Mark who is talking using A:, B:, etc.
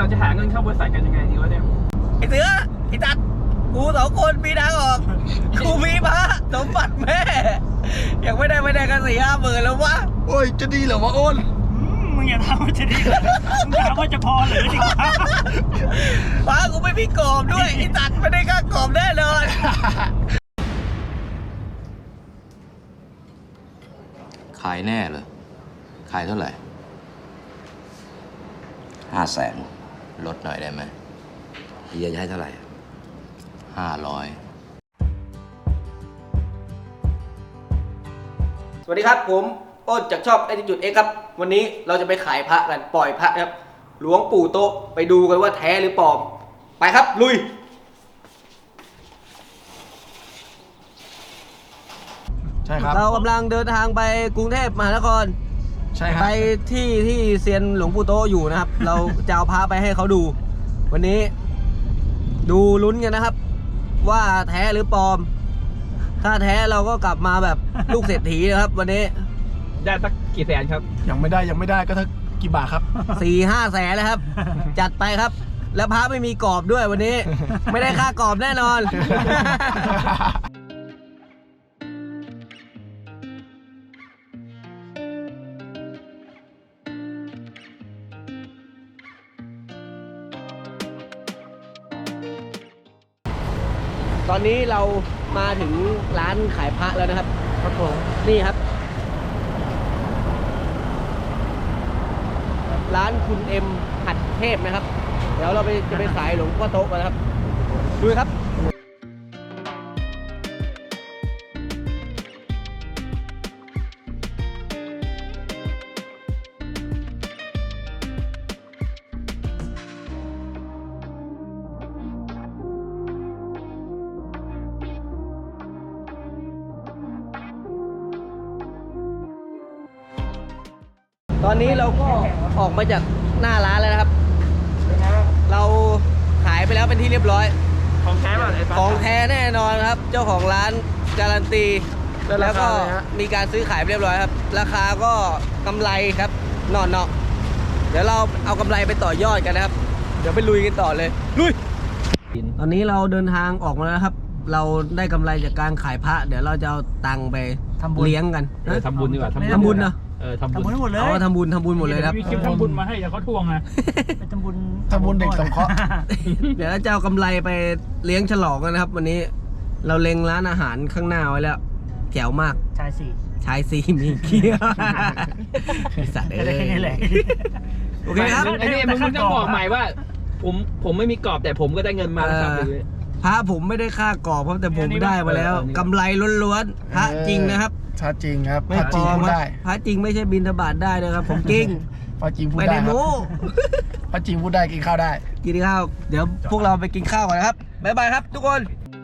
A: เราจะหาเงินเข้าบริษัทกันยังไงดีวะเนี่ย
B: ไอ้เสือไอ้ตัดกู2 คนมีทางออกกูมีพระสมบัติแม่ยังไม่ได้กัน4-5 หมื่นแล้ววะ
C: โอ้ยจะดีเหรอวะอ้น
D: มึงอย่าถามว่าจะดีมึงถามว่าจะพอหรือดีกว่า
B: พระกูไม่มีกรอบด้วยไอ้ตัดไม่ได้ค่ากรอบแน่นอน
E: ขายแน่เหรอขายเท่าไหร่500,000ลดหน่อยได้ไหมเฮียจะให้เท่าไหร่500
B: สวัสดีครับผมอ้นจากช่องAttitude Xครับวันนี้เราจะไปขายพระกันปล่อยพระครับหลวงปู่โตะไปดูกันว่าแท้หรือปลอมไปครับลุย
C: ใช่ครับ
B: เรากำลังเดินทางไปกรุงเทพมหานคร
C: ใช่ครับ
B: ไปที่เซียนหลวงปู่โตะอยู่นะครับ เราจะเอาพระไปให้เขาดู วันนี้ดูลุ้นกันนะครับ ว่าแท้หรือปลอม ถ้าแท้เราก็กลับมาแบบลูกเศรษฐีนะครับ วันนี้
A: ได้สักกี่แสนครับ
C: ยังไม่ได้ก็ถ้ากี่บาทครับ
B: 4-5 แสนแล้วครับ จัดไปครับ แล้วพระไม่มีกรอบด้วยวันนี้ ไม่ได้ค่ากรอบแน่นอน ตอนนี้เรามาถึงร้านขายพระแล้วนะครับครับผมนี่ครับ ร้านคุณเอ็มหัดเทพนะครับ เดี๋ยวเราจะไปขายหลวงพ่อโตะกันนะครับดูครับตอนนี้เราก็ออกมาจากหน้าร้านแล้วนะครับ เราขายไปแล้วเป็นที่เรียบร้อย
A: ของแท้ป่ะไอ้ฟ้า
B: ของแท้แน่นอนครับ เจ้าของร้านการันตี แล้วก็
A: ราคาเลยฮะ
B: มีการซื้อขายไปเรียบร้อยครับ ราคาก็กำไรครับนอนเนาะเดี๋ยวเราเอากำไรไปต่อยอดกันนะครับ เดี๋ยวไปลุยกันต่อเลยลุยตอนนี้เราเดินทางออกมาแล้วครับ เราได้กำไรจากการขายพระ เดี๋ยวเราจะเอาตังค์ไปเลี้ยงกัน
A: ทำบุญดีกว่า
B: ทำบุญเนาะ
A: ทำ
D: ทำ
A: บุ
D: บุ
A: ญ
D: ญให้หมดเลย
B: เอาทำบุญหมดเลยครับ
A: มีคลิปทำบุญมาให้เดี๋ยวเขาทวงนะ
D: ไปทำบุญ
C: เด็กสงเคราะห์
B: เดี๋ยวเราจะเอากำไรไปเลี้ยงฉลองกันนะครับ วันนี้เราเล็งร้านอาหารข้างหน้าไว้แล้วแจ๋วมาก
D: ชายสี่
B: ชายซีมีเคี้ยวไอ้สัตว์
D: ได้แค่นี้แหละ
B: โอเคครับ
A: ไอ้นี่มึงต้องบอกใหม่ว่า ผมไม่มีกรอบแต่ผมก็ได้เงินมาแล้วครับ
B: พระผมไม่ได้ค่ากรอบเพราะแต่ผมได้มาแล้วกำไรล้วนๆพระจริงนะครับ
C: ชาจริงครับ
B: ไม่
C: พระ
B: ป
C: จ
B: ล
C: ริง
B: อม
C: พูด
B: ครับ
C: ได้
B: พระจริงไม่ใช่บิณฑบาตได้นะครับ ผมจริง
C: พระจริงพูด
B: ไม่
C: ได้
B: ได้
C: ครับ
B: โม้
C: พระจริงพูดได้กินข้าวได้
B: กินข้าวเดี๋ยวพวกเราไปกินข้าวก่อนนะครับบ๊ายบายครับทุกคน